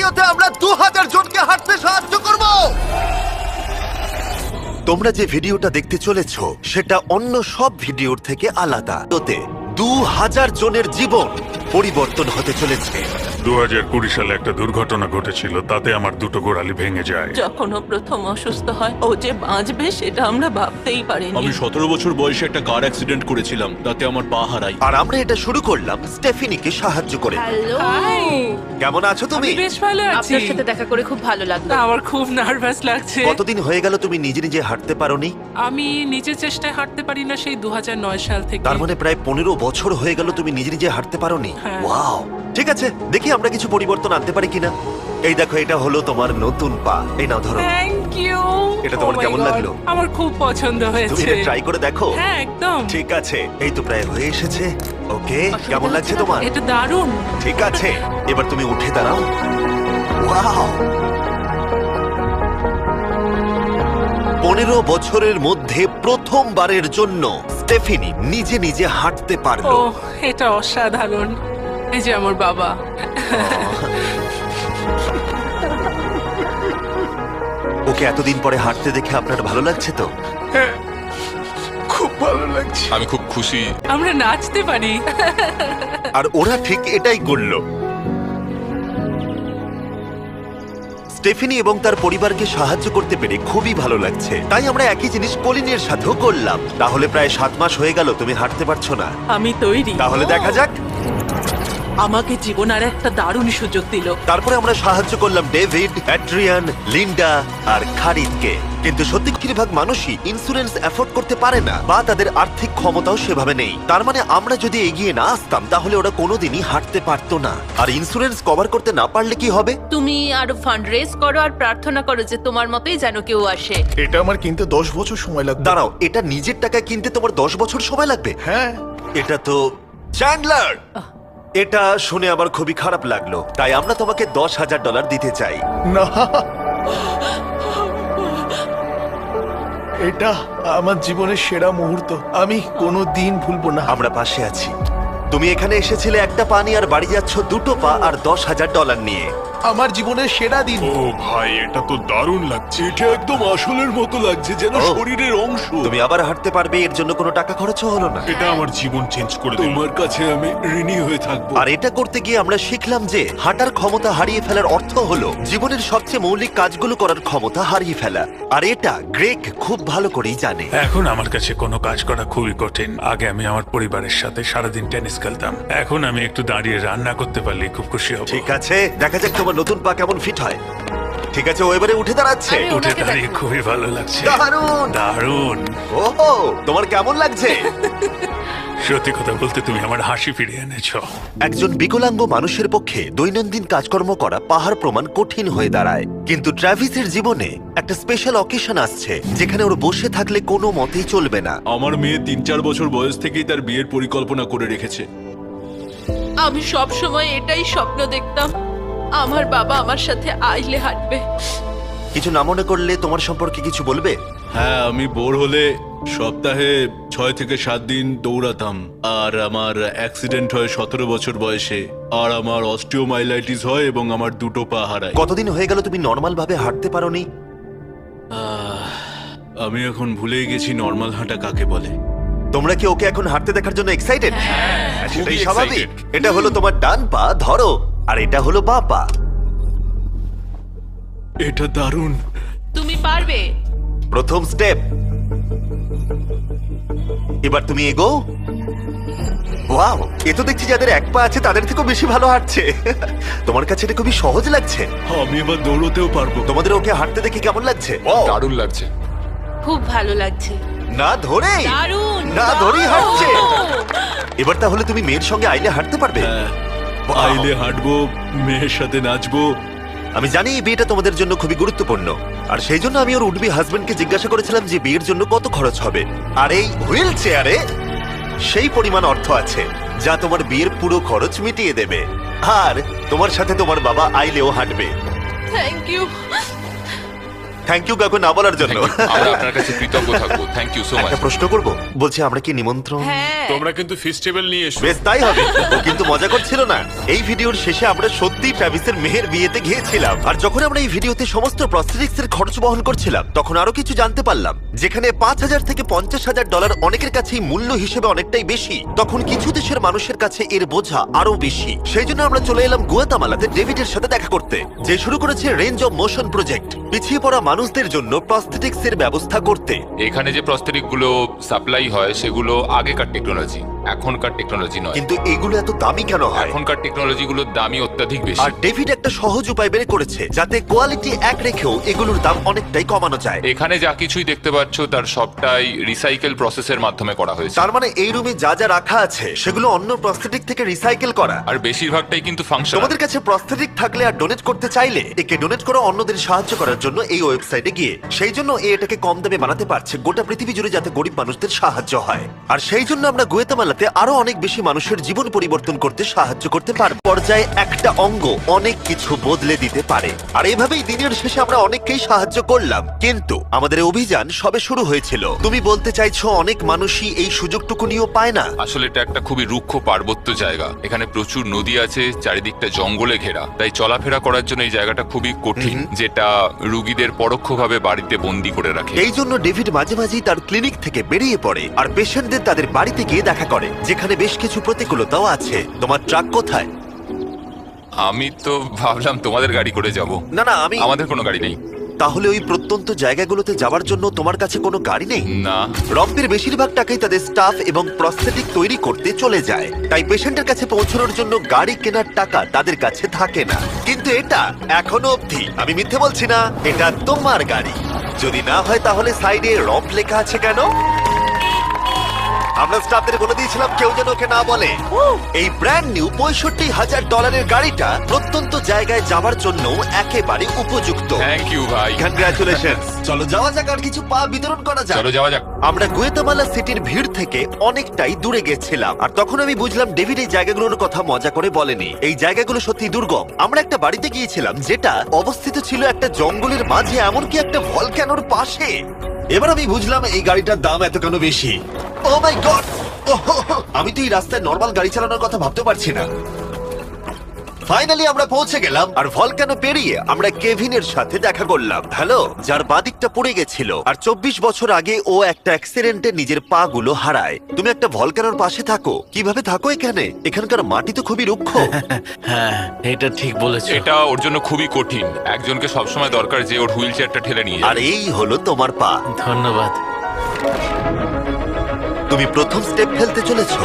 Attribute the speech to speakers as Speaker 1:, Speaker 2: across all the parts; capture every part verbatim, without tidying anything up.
Speaker 1: ভিডিওতে আমরা দু হাজার জনকে হাঁটতে সাহায্য করব। তোমরা যে ভিডিওটা দেখতে চলেছ সেটা অন্য সব ভিডিওর থেকে আলাদা। ওতে দু হাজার জনের জীবন পরিবর্তন হতে চলেছে।
Speaker 2: দু হাজার কুড়ি সালে একটা দুর্ঘটনা ঘটেছিল, তাতে আমার দুটো গোড়ালি ভেঙে যায়।
Speaker 3: যখন ও প্রথম অসুস্থ হয়, ও যে বাঁচবে সেটা আমরা ভাবতেই পারিনি।
Speaker 4: আমি সতেরো বছর বয়সে একটা কার অ্যাক্সিডেন্ট করেছিলাম, তাতে আমার পা হারাই।
Speaker 1: আর আমরা এটা শুরু করলাম স্টেফিনিকে সাহায্য করে।
Speaker 5: হ্যালো,
Speaker 1: কেমন আছো তুমি?
Speaker 6: বেশ ভালো আছি।
Speaker 5: আপনার সাথে দেখা করে খুব ভালো লাগলো।
Speaker 6: আমার খুব নার্ভাস লাগছে।
Speaker 1: কতদিন হয়ে গেল তুমি নিজে নিজে হাঁটতে পারোনি?
Speaker 6: আমি নিজের চেষ্টায় হাঁটতে পারি না সেই দু হাজার নয় সাল থেকে।
Speaker 1: তার মানে প্রায় পনেরো বছর হয়ে গেল তুমি নিজে নিজে হাঁটতে পারোনি।
Speaker 6: হ্যাঁ।
Speaker 1: ওয়াও, ঠিক আছে, দেখি আমরা কিছু পরিবর্তন আনতে পারি কিনা। এই দেখো, এটা হলো তোমার নতুন পা। এই নাও, ধরো।
Speaker 6: Thank you.
Speaker 1: এটা তোমার কেমন লাগলো?
Speaker 6: আমার খুব পছন্দ
Speaker 1: তুমি
Speaker 6: হয়েছে।
Speaker 1: এটা ট্রাই করে দেখো।
Speaker 6: হ্যাঁ, একদম।
Speaker 1: ঠিক আছে, এই তো প্রায় হয়ে এসেছে। ওকে, কেমন লাগছে তোমার?
Speaker 6: এটা দারুণ।
Speaker 1: ঠিক আছে, এবার তুমি উঠে দাঁড়াও। ওয়াও, পনেরো বছরের মধ্যে প্রথমবারের জন্য স্টেফিনি নিজে নিজে হাঁটতে
Speaker 6: ও,
Speaker 1: পারলো।
Speaker 6: এটা অসাধারণ। এই যে আমার বাবা।
Speaker 1: ওকে এতদিন পরে হাঁটতে দেখে আপনার ভালো লাগছে তো?
Speaker 2: খুব ভালো লাগছে।
Speaker 4: আমি খুব খুশি।
Speaker 6: আমরা নাচতে পারি।
Speaker 1: আর ওরা ঠিক এটাই করলো। স্টেফিনি এবং তার পরিবারকে সাহায্য করতে পেরে খুবই ভালো লাগছে। তাই আমরা একই জিনিস কলিনের সাথেও করলাম। তাহলে প্রায় সাত মাস হয়ে গেল তুমি হাঁটতে পারছো না।
Speaker 3: আমি তৈরি।
Speaker 1: তাহলে দেখা যাক।
Speaker 3: আমাকে জীবন আর একটা দারুণ সুযোগ দিল।
Speaker 1: তারপরে আমরা সাহায্য করলাম ডেভিড, অ্যাড্রিয়ান, লিন্ডা আর খারিদকে। কিন্তু সত্যি ভাগ মানুষই ইন্স্যুরেন্স অ্যাফোর্ড করতে পারে না, বা তাদের আর্থিক ক্ষমতাও সেভাবে নেই। তার মানে আমরা যদি এগিয়ে না আসতাম তাহলে ওরা কোনোদিনই হাঁটতে পারতো না। আর ইন্স্যুরেন্স কভার করতে না পারলে কি হবে?
Speaker 5: তুমি আরো ফান্ড রেজ করো আর প্রার্থনা করো যে তোমার মতোই যেন কেউ আসে।
Speaker 7: এটা আমার কিনতে দশ বছর সময় লাগবে।
Speaker 1: দাঁড়াও, এটা নিজের টাকায় কিনতে তোমার দশ বছর সময় লাগবে?
Speaker 7: হ্যাঁ,
Speaker 1: এটা তো চ্যান্ডলার, এটা শুনে আমার খুবই খারাপ লাগলো। তাই আমরা তোমাকে দশ হাজার ডলার দিতে চাই।
Speaker 7: না, এটা আমার জীবনের সেরা মুহূর্ত। আমি কোনো দিন ভুলবো না।
Speaker 1: আমরা পাশে আছি। তুমি এখানে এসেছিলে একটা পা নিয়ে, আর বাড়ি যাচ্ছ দুটো পা আর দশ হাজার ডলার নিয়ে।
Speaker 7: আমার জীবনের সেরা দিন।
Speaker 2: ও ভাই, এটা তো দারুণ লাগছে। এটা একদম আসলের মতো লাগছে, যেন
Speaker 1: ও।
Speaker 2: শরীরের অংশ।
Speaker 1: তুমি আবার হাঁটতে পারবে, এর জন্য কোনো টাকা খরচও হলো না।
Speaker 2: এটা আমার জীবন চেঞ্জ করে দিল। তোমার কাছে আমি ঋণী হয়ে থাকবো।
Speaker 1: আর এটা করতে গিয়ে আমরা শিখলাম যে হাঁটার ক্ষমতা হারিয়ে ফেলার অর্থ হলো জীবনের সবচেয়ে মৌলিক কাজগুলো করার ক্ষমতা হারিয়ে ফেলা। আর এটা গ্রেগ খুব ভালো করেই জানে।
Speaker 2: এখন আমার কাছে কোনো কাজ করা খুবই কঠিন। আগে আমি আমার পরিবারের সাথে সারাদিন টেনিস খেলতাম, এখন আমি একটু দাঁড়িয়ে রান্না করতে পারলে খুব খুশি হব।
Speaker 1: ঠিক আছে, দেখা যাক তোমার নতুন পা কেমন ফিট হয়। ঠিক আছে, ও এবারে উঠে দাঁড়াচ্ছে।
Speaker 5: আরে,
Speaker 2: উঠে
Speaker 5: ওনাকে
Speaker 2: দাঁড়িয়ে
Speaker 5: দেখো।
Speaker 2: খুবই ভালো লাগছে।
Speaker 1: দারুণ।
Speaker 2: দারুণ।
Speaker 1: ওহো, তোমার কেমন লাগছে?
Speaker 2: সত্যি কথা বলতে তুমি আমার হাসি ফিরিয়ে এনেছো।
Speaker 1: একজন বিকলাঙ্গ মানুষের পক্ষে দৈনন্দিন কাজকর্ম করা পাহাড় প্রমাণ কঠিন হয়ে দাঁড়ায়। কিন্তু ট্রাভিসের জীবনে একটা স্পেশাল অকেশন আসছে যেখানে ওর বসে থাকলে কোনো মতেই চলবে না।
Speaker 4: আমার মেয়ে তিন চার বছর বয়স থেকেই তার বিয়ের পরিকল্পনা করে রেখেছে।
Speaker 5: আমি সব সময় এটাই স্বপ্ন দেখতাম, আমার বাবা আমার সাথে আইলে হাঁটবে।
Speaker 1: কিছু না মনে করলে তোমার সম্পর্কে কিছু বলবে?
Speaker 4: হ্যাঁ, আমি বোর হলে সপ্তাহে ছয় থেকে সাত দিন দৌড়াতাম। আর আমার অ্যাক্সিডেন্ট হয় সতেরো বছর বয়সে। আর আমার অস্টিওমাইলাইটিস হয় এবং আমার দুটো পা হারায়।
Speaker 1: কতদিন হয়ে গেল তুমি নর্মাল ভাবে হাঁটতে পারোনি?
Speaker 4: আহ, আমি এখন ভুলেই গেছি নর্মাল হাঁটা কাকে বলে।
Speaker 1: তোমরা কি ওকে এখন হাঁটতে দেখার জন্য এক্সাইটেড? সেটাই
Speaker 4: খুবই
Speaker 1: স্বাভাবিক।
Speaker 4: excited।
Speaker 1: এটা হলো তোমার ডান পা, ধরো, আর এটা হলো বাঁ পা।
Speaker 4: এটা দারুণ।
Speaker 5: তুমি পারবে।
Speaker 1: প্রথম স্টেপ। এবার তুমি এগো। ওয়াও, এ তো দেখছি যাদের এক পা আছে তাদের থেকেও বেশি ভালো হাঁটছে। তোমার কাছে এটা খুবই সহজ লাগছে।
Speaker 4: আমি এবার দৌড়তেও পারবো।
Speaker 1: তোমাদের ওকে হাঁটতে দেখে কেমন লাগছে?
Speaker 7: দারুণ লাগছে।
Speaker 5: খুব ভালো লাগছে।
Speaker 1: না ধরে,
Speaker 5: দারুণ।
Speaker 1: না ধরেই হাঁটছে।
Speaker 5: দারুণ।
Speaker 1: এবার তাহলে তুমি মেয়ের সঙ্গে আইলে হাঁটতে পারবে?
Speaker 4: হ্যাঁ,
Speaker 1: Wow!
Speaker 4: আইলে হাঁটবো, মেয়ের সাথে নাচবো।
Speaker 1: আমি জানি এই বিয়েটা তোমাদের জন্য খুবই গুরুত্বপূর্ণ, আর সেই জন্য আমি ওর উডবি হাজবেন্ডকে জিজ্ঞাসা করেছিলাম যে বিয়ের জন্য কত খরচ হবে। আর এই হুইল চেয়ারে সেই পরিমাণ অর্থ আছে যা তোমার বিয়ের পুরো খরচ মিটিয়ে দেবে। আর তোমার সাথে তোমার বাবা আইলেও হাঁটবে।
Speaker 5: Thank you.
Speaker 1: থ্যাংক ইউ কাকু না বলার জন্য।
Speaker 8: আমরা আপনার কাছে কৃতজ্ঞ থাকবো। Thank you so much.
Speaker 1: একটা প্রশ্ন করব, বলছি আমরা কি নিমন্ত্রণ?
Speaker 5: হ্যাঁ
Speaker 8: তোমরা কিন্তু ফেস্টিভ্যাল নিয়ে এসো।
Speaker 1: বেশ তাই হবে। ও কিন্তু মজা করছিল না। এই ভিডিওর শেষে আমরা সত্যি ট্রাভিসের মেহের বিয়েতে গিয়েছিলাম, আর যখন আমরা এই ভিডিওতে সমস্ত প্রস্থেটিক্স এর খরচ বহন করছিলাম তখন আরো কিছু জানতে পারলাম। যেখানে পাঁচ হাজার থেকে পঞ্চাশ হাজার ডলার অনেকের কাছেই মূল্য হিসেবে অনেকটাই বেশি, তখন কিছু দেশের মানুষের কাছে এর বোঝা আরো বেশি। সেই জন্য আমরা চলে এলাম গুয়াতামালাতে ডেভিডের সাথে দেখা করতে, যে শুরু করেছে রেঞ্জ অফ মোশন প্রজেক্ট, পিছিয়ে পড়া মানুষদের জন্য প্রস্থেটিক্স এর ব্যবস্থা করতে।
Speaker 8: এখানে যে প্রস্তরিক গুলো সাপ্লাই হয় সেগুলো আগেকার টেকনোলজি, এখনকার টেকনোলজি নয়।
Speaker 1: কিন্তু এগুলো এত দামি কেন হয়?
Speaker 8: এখনকার টেকনোলজি গুলোর দামই অত্যাধিক বেশি।
Speaker 1: আর ডেভিড একটা সহজ উপায় বের করেছে যাতে কোয়ালিটি এক রেখেও এগুলোর দাম অনেকটাই কমানো যায়।
Speaker 8: এখানে যা কিছুই দেখতে পাচ্ছ তার সবটাই রিসাইকেল প্রসেসের মাধ্যমে করা হয়েছে।
Speaker 1: তার মানে এই রুমে যা যা রাখা আছে সেগুলো অন্য প্রস্থেটিক থেকে রিসাইকেল করা।
Speaker 8: আর বেশিরভাগটাই কিন্তু ফাংশন।
Speaker 1: তোমাদের কাছে প্রস্থেটিক থাকলে আর ডোনেট করতে চাইলে একে ডোনেট করো অন্যদের সাহায্য করার জন্য এই ওয়েবসাইটে গিয়ে। সেই জন্য এ এটাকে কম দামে বানাতে পারছে গোটা পৃথিবী জুড়ে, যাতে গরিব মানুষদের সাহায্য হয়। আর সেই জন্য আমরা গুয়াতামালাতে আরো অনেক বেশি মানুষের জীবন পরিবর্তন করতে সাহায্য করতে পারব। পর্যায়ে একটা অঙ্গ অনেক কিছু বদলে দিতে পারে। আর এইভাবেই দিনের শেষে আমরা অনেককেই সাহায্য করলাম, কিন্তু আমাদের অভিযান সবে শুরু হয়েছিল। তুমি বলতে চাইছো অনেক মানুষই এই সুযোগটুকু নিয়েও পায় না?
Speaker 8: আসলে এটা একটা খুবই রুক্ষ পার্বত্য জায়গা। এখানে প্রচুর নদী আছে, চারিদিকটা জঙ্গলে ঘেরা, তাই চলাফেরা করার জন্য এই জায়গাটা খুবই কঠিন, যেটা রুগীদের পরোক্ষভাবে বাড়িতে বন্দি করে রাখে।
Speaker 1: এই জন্য ডেভিড মাঝে মাঝেই তার ক্লিনিক থেকে বেরিয়ে পড়ে আর পেশেন্টদের তাদের বাড়িতে গিয়ে দেখা করে, যেখানে বেশ কিছু প্রতিকূলতাও আছে। তোমার ট্রাক কোথায়?
Speaker 8: আমি তো ভাবলাম তোমাদের গাড়ি করে যাব।
Speaker 1: না না, আমি
Speaker 8: আমাদের কোনো গাড়ি নেই।
Speaker 1: তাহলে ওই প্রত্যন্ত জায়গাগুলোতে যাওয়ার জন্য তোমার কাছে কোনো গাড়ি নেই?
Speaker 8: না।
Speaker 1: রম্পের বেশিরভাগ টাকাই তাদের স্টাফ এবং প্রস্থেটিক তৈরি করতে চলে যায়, তাই পেশেন্টের কাছে পৌঁছানোর জন্য গাড়ি কেনার টাকা তাদের কাছে থাকে না। কিন্তু এটা এখনো অবধি, আমি মিথ্যে বলছি না, এটা তোমার গাড়ি। যদি না হয় তাহলে সাইডে রম্প লেখা আছে কেন? আমরা স্টাফদের বলে দিয়েছিলাম কেউ যেন ওকে না বলে। এই ব্র্যান্ড নিউ পঁয়ষট্টি হাজার ডলারের গাড়িটা প্রত্যন্ত জায়গায় যাওয়ার জন্য একেবারে উপযুক্ত।
Speaker 8: থ্যাংক ইউ ভাই।
Speaker 1: কনগ্রাচুলেশন। চলো যাওয়া যাক আর কিছু পা বিতরণ করা যাক।
Speaker 8: চলো যাওয়া যাক।
Speaker 1: আমরা গুয়েতামালা সিটির ভিড় থেকে অনেকটাই দূরে গেছিলাম, আর তখন আমি বুঝলাম ডেভিড এই জায়গাগুলোর কথা মজা করে বলেনি। এই জায়গাগুলো সত্যি দুর্গম। আমরা একটা বাড়িতে গিয়েছিলাম যেটা অবস্থিত ছিল একটা জঙ্গলের মাঝে, এমনকি একটা ভলক্যানোর পাশে। এবার আমি বুঝলাম এই গাড়িটার দাম এত কেন বেশি। Oh my God! আমি তো এই রাস্তায় নরমাল গাড়ি চালানোর কথা ভাবতে পারছি না। ফাইনালি আমরা পৌঁছে গেলাম, আর ভলকানো পেরিয়ে আমরা কেভিনের সাথে দেখা করলাম। হ্যালো, যার বাদিকটা পড়ে গেছিল, আর চব্বিশ বছর আগে ও একটা অ্যাক্সিডেন্টে নিজের পা গুলো হারায়। তুমি একটা ভলকানোর পাশে থাকো, কিভাবে থাকো এখানে? এখানকার মাটি তো খুবই রুক্ষ।
Speaker 9: হ্যাঁ, এটা ঠিক বলেছো।
Speaker 8: এটা ওর জন্য খুবই কঠিন। একজনকে সবসময় দরকার যে ওর হুইল চেয়ারটা ঠেলে নিয়ে
Speaker 1: আর
Speaker 8: যাবে।
Speaker 1: এই হলো তোমার পা।
Speaker 9: ধন্যবাদ।
Speaker 1: তুমি প্রথম স্টেপ ফেলতে চলেছো।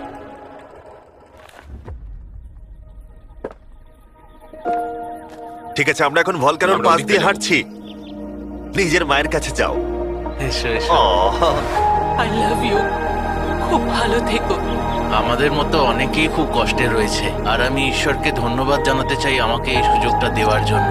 Speaker 1: ঠিক আছে, আমরা এখন ভলকানোর
Speaker 8: আমরা
Speaker 1: পাশ
Speaker 8: ওদিকে
Speaker 1: দিয়ে
Speaker 8: যাবো।
Speaker 1: হাঁটছি। নিজের মায়ের কাছে যাও।
Speaker 9: এসো এসো।
Speaker 1: Ah,
Speaker 3: I love you. খুব ভালো থেকো।
Speaker 9: আমাদের মতো অনেকেই খুব কষ্টে রয়েছে, আর আমি ঈশ্বরকে ধন্যবাদ জানাতে চাই আমাকে এই সুযোগটা দেওয়ার জন্য।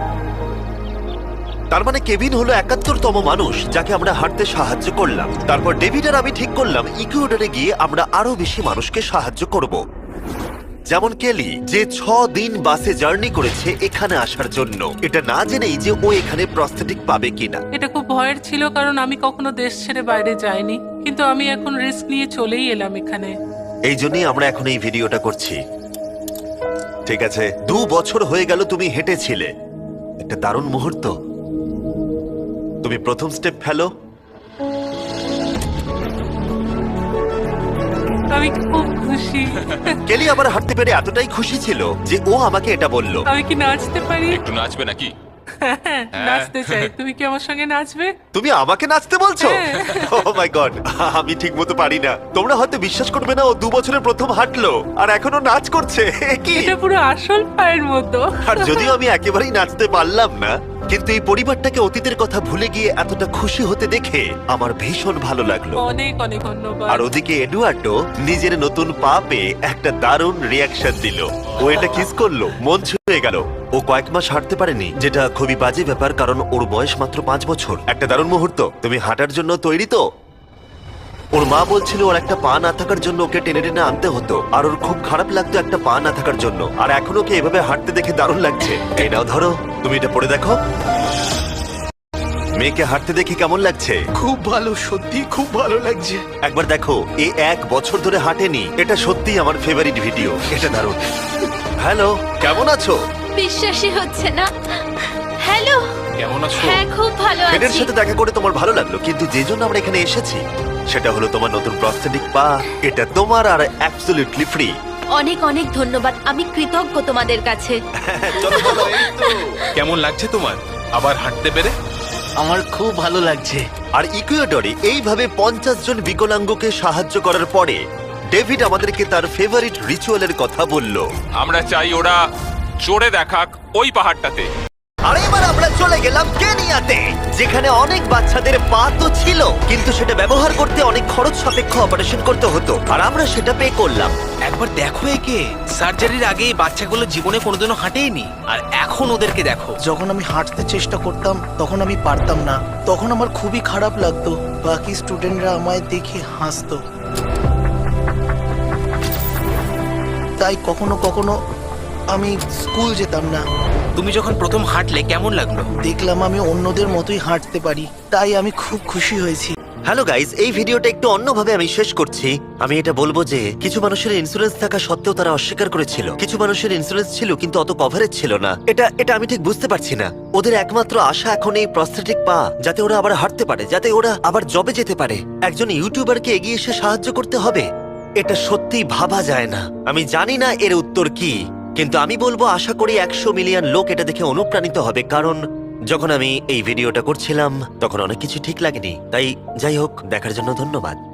Speaker 1: তার মানে কেভিন হলো একাত্তরতম মানুষ যাকে আমরা হাঁটতে সাহায্য করলাম। তারপর ডেভিড আর আমি ঠিক করলাম ইকুয়েডরে গিয়ে আমরা আরো বেশি মানুষকে সাহায্য করব, যেমন কেলি, যে ছ দিন বাসে জার্নি করেছে এখানে আসার জন্য, এটা না জেনেই যে ও এখানে প্রস্থেটিক পাবে কিনা।
Speaker 6: এটা খুব ভয়ের ছিল, কারণ আমি কখনো দেশ ছেড়ে বাইরে যাইনি, কিন্তু আমি এখন রিস্ক নিয়ে চলেই এলাম এখানে।
Speaker 1: এই জন্যই আমরা এখন এই ভিডিওটা করছি। ঠিক আছে, দু বছর হয়ে গেল তুমি হেঁটেছিলে, একটা দারুণ মুহূর্ত। তুমি প্রথম স্টেপ ফেলো।
Speaker 6: আমি খুব খুশি।
Speaker 1: কেলি আবার হাঁটতে পেরে এতটাই খুশি ছিল যে ও আমাকে এটা বলল।
Speaker 6: আমি কি নাচতে পারি?
Speaker 8: একটু নাচবে নাকি?
Speaker 6: হ্যাঁ, নাচতে চাই। তুমি কি আমার সঙ্গে নাচবে?
Speaker 1: তুমি আমাকে নাচতে বলছো? ও মাই গড, আমি ঠিক মতো পারি না। তোমরা হয়তো বিশ্বাস করবে না, ও দু বছরের প্রথম হাঁটলো আর এখনো নাচ করছে। কি?
Speaker 6: এটা পুরো আসল পায়ের মতো।
Speaker 1: আর যদিও আমি একেবারেই নাচতে পারলাম না, কিন্তু এই পরিবারটাকে অতীতের কথা ভুলে গিয়ে এতটা খুশি হতে দেখে আমার ভীষণ ভালো লাগলো।
Speaker 6: অনেক অনেক ধন্যবাদ।
Speaker 1: আর ওদিকে এডুয়ার্ডো নিজের নতুন পা পেয়ে একটা দারুণ রিয়াকশন দিল। ও এটা কিস করলো, মন ছুঁয়ে গেল। ও কয়েক মাস হাঁটতে পারেনি, যেটা খুবই বাজে ব্যাপার, কারণ ওর বয়স মাত্র পাঁচ বছর। একটা দারুণ মুহূর্ত। তুমি হাঁটার জন্য তৈরি তো? ওর মা বলছিল ওর একটা পা না থাকার জন্য ওকে টেনে টেনে আনতে হতো, আর ওর খুব খারাপ লাগতো একটা পা না থাকার জন্য। আর এখন ওকে এভাবে হাঁটতে দেখে দারুণ লাগছে। এই নাও ধরো, তুমি এটা পরে দেখো। মেয়েকে হাঁটতে দেখে কেমন লাগছে?
Speaker 7: খুব ভালো, সত্যি খুব ভালো লাগছে।
Speaker 1: একবার দেখো, এ এক বছর ধরে হাঁটেনি। এটা সত্যিই আমার ফেভারিট ভিডিও। এটা দারুণ। হ্যালো, কেমন আছো?
Speaker 10: বিশ্বাসই হচ্ছে না। হ্যালো,
Speaker 9: কেমন আছো?
Speaker 10: হ্যাঁ খুব ভালো
Speaker 1: ফেডের
Speaker 10: আছি।
Speaker 1: সাথে দেখা করে তোমার ভালো লাগলো, কিন্তু যে জন্য আমরা এখানে এসেছি সেটা হলো তোমার নতুন প্রস্থেটিক পা। এটা তোমার আর অ্যাবসলিউটলি ফ্রি।
Speaker 10: অনেক অনেক ধন্যবাদ, আমি কৃতজ্ঞ তোমাদের কাছে।
Speaker 1: চলো চলো, এই তো।
Speaker 9: কেমন লাগছে তোমার আবার হাঁটতে পেরে?
Speaker 7: আমার খুব ভালো লাগছে।
Speaker 1: আর ইকুয়েডরে এইভাবে পঞ্চাশ জন বিকলাঙ্গকে সাহায্য করার পরে ডেভিড আমাদেরকে তার ফেভারিট রিচুয়ালের কথা বলল।
Speaker 8: আমরা চাই ওরা চড়ে দেখাক ওই পাহাড়টাতে।
Speaker 1: আর এবার আমরা চলে গেলাম কেনিয়াতে, যেখানে অনেক বাচ্চাদের পা তো ছিল, কিন্তু সেটা ব্যবহার করতে অনেক খরচ সাপেক্ষ অপারেশন করতে হতো, আর আমরা সেটা পে করলাম।
Speaker 11: একবার দেখো একে, সার্জারির আগে এই বাচ্চাগুলো জীবনে কোনোদিনও হাঁটেইনি, আর এখন ওদেরকে দেখো।
Speaker 7: যখন আমি হাঁটতে চেষ্টা করতাম তখন আমি পারতাম না, তখন আমার খুবই খারাপ লাগতো। বাকি স্টুডেন্টরা আমায় দেখে হাসতো, তাই কখনো কখনো আমি স্কুল যেতাম না।
Speaker 11: তুমি যখন প্রথম হাঁটলে কেমন লাগলো?
Speaker 7: দেখলাম আমি অন্যদের মতোই হাঁটতে পারি, তাই আমি খুব খুশি হয়েছি।
Speaker 1: হ্যালো গাইজ, এই ভিডিওটা একটু অন্যভাবে আমি শেষ করছি। আমি এটা বলবো যে কিছু মানুষের ইন্স্যুরেন্স থাকা সত্ত্বেও তারা অস্বীকার করেছিল, কিছু মানুষের ইন্স্যুরেন্স ছিল কিন্তু অত কভারেজ ছিল না। এটা এটা আমি ঠিক বুঝতে পারছি না। ওদের একমাত্র আশা এখন এই প্রস্থেটিক পা, যাতে ওরা আবার হাঁটতে পারে, যাতে ওরা আবার জবে যেতে পারে। একজন ইউটিউবারকে এগিয়ে এসে সাহায্য করতে হবে, এটা সত্যিই ভাবা যায় না। আমি জানি না এর উত্তর কি, কিন্তু আমি বলবো আশা করি একশো মিলিয়ন লোক এটা দেখে অনুপ্রাণিত হবে, কারণ যখন আমি এই ভিডিওটা করছিলাম তখন অনেক কিছু ঠিক লাগেনি। তাই যাই হোক, দেখার জন্য ধন্যবাদ।